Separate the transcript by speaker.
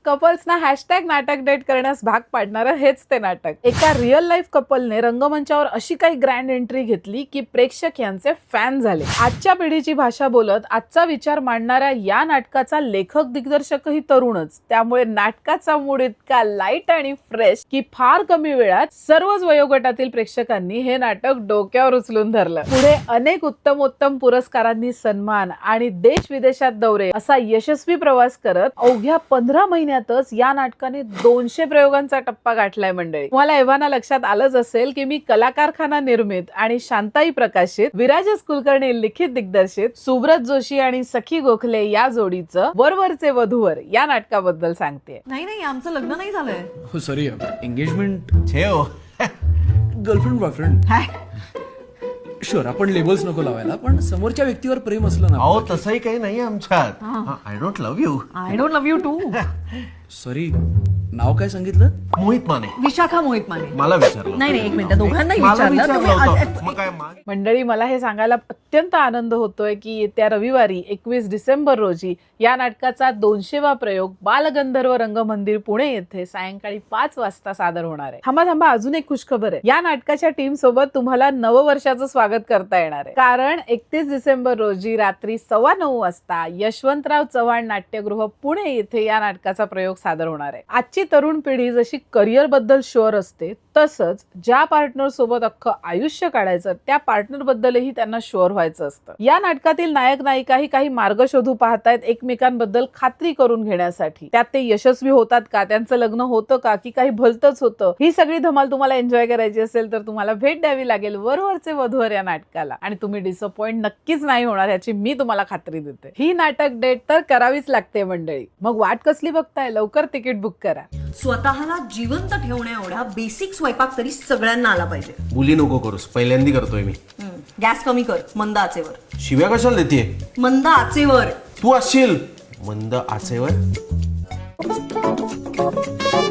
Speaker 1: कपल्सना hashtag नाटक date करण्यास भाग पाडणारं हेच ते नाटक. एका रिअल लाईफ कपलने रंगमंचावर अशी काही ग्रँड एंट्री घेतली की प्रेक्षक यांचे फॅन झाले. आजच्या पिढीची भाषा बोलत आजचा विचार मांडणाऱ्या या नाटकाचा लेखक दिग्दर्शकही तरुणच. त्यामुळे नाटकाचा मूड इतका लाईट आणि फ्रेश की फार कमी वेळात सर्वच वयोगटातील प्रेक्षकांनी हे नाटक डोक्यावर उचलून धरलं. पुढे अनेक उत्तमोत्तम पुरस्कारांनी सन्मान आणि देश विदेशात दौरे असा यशस्वी प्रवास करत अवघ्या 15 महिन्यातच या नाटकाने 200 प्रयोगांचा टप्पा गाठलाय. मंडळी, तुम्हाला एव्हाना लक्षात आलंच असेल की मी कलाकारखाना निर्मित आणि शांताई प्रकाशित, विराजस कुलकर्णी लिखित दिग्दर्शित सुब्रत जोशी आणि सखी गोखले या जोडीचं वरवरचे वधूवर या नाटकाबद्दल सांगते.
Speaker 2: नाही आमचं लग्न नाही झालंय.
Speaker 3: हो सॉरी, एंगेजमेंट
Speaker 4: छे हो.
Speaker 3: Girlfriend boyfriend. शुअर, आपण लेबल्स नको लावायला, पण समोरच्या व्यक्तीवर प्रेम असलं ना.
Speaker 4: अहो तसंही काही नाही आमच्यात. I don't love you.
Speaker 2: I don't love you too.
Speaker 3: Sorry, नाव काय सांगितलं?
Speaker 4: मोहित माने.
Speaker 2: विशाखा मोहित माने.
Speaker 4: मला विचारलं.
Speaker 2: नाही एक मिनिट, दोघांनाही
Speaker 4: मला
Speaker 2: विचारलं
Speaker 4: विचारलं होतं.
Speaker 2: तुम्ही.
Speaker 4: मग काय
Speaker 1: मंडळी, मला हे सांगायला अत्यंत आनंद होतोय की येत्या रविवारी 21 डिसेंबर रोजी या नाटकाचा 200वा प्रयोग बालगंधर्व रंगमंदिर पुणे येथे सायंकाळी 5 वाजता सादर होणार आहे. थांबा, अजून एक खुशखबर आहे. या नाटकाच्या टीम सोबत तुम्हाला नववर्षाचं स्वागत करता येणार आहे. कारण 31 डिसेंबर रोजी रात्री 9:15 वाजता यशवंतराव चव्हाण नाट्यगृह पुणे येथे या नाटकाचा प्रयोग सादर होणार आहे. आजची तरुण पिढी जशी करिअर बद्दल शुअर असते, तसंच ज्या पार्टनर सोबत अख्खं आयुष्य काढायचं त्या पार्टनर बद्दलही त्यांना शुअर व्हायचं असतं. या नाटकातील नायक नायिकाही काही मार्ग शोधू पाहतायत एकमेकांबद्दल खात्री करून घेण्यासाठी. त्यात ते यशस्वी होतात का, त्यांचं लग्न होतं का, की काही भलतंच होतं, ही सगळी धमाल तुम्हाला एन्जॉय करायची असेल तर तुम्हाला भेट द्यावी लागेल वरवरचे वधूवर या नाटकाला. आणि तुम्ही डिसअपॉइंट नक्कीच नाही होणार याची मी तुम्हाला खात्री देते. ही नाटक डेट तर करावीच लागते मंडळी. मग वाट कसली बघताय, लवकर तिकीट बुक करा.
Speaker 2: स्वतःला जिवंत ठेवण्या एवढा बेसिक स्वयंपाक तरी सगळ्यांना आला पाहिजे.
Speaker 4: मुली नको करूस, पहिल्यांदा करतोय मी.
Speaker 2: गॅस कमी कर, मंद आचेवर.
Speaker 4: शिव्या कशाला देते?
Speaker 2: मंद आचेवर.
Speaker 4: तू असशील मंद आचेवर.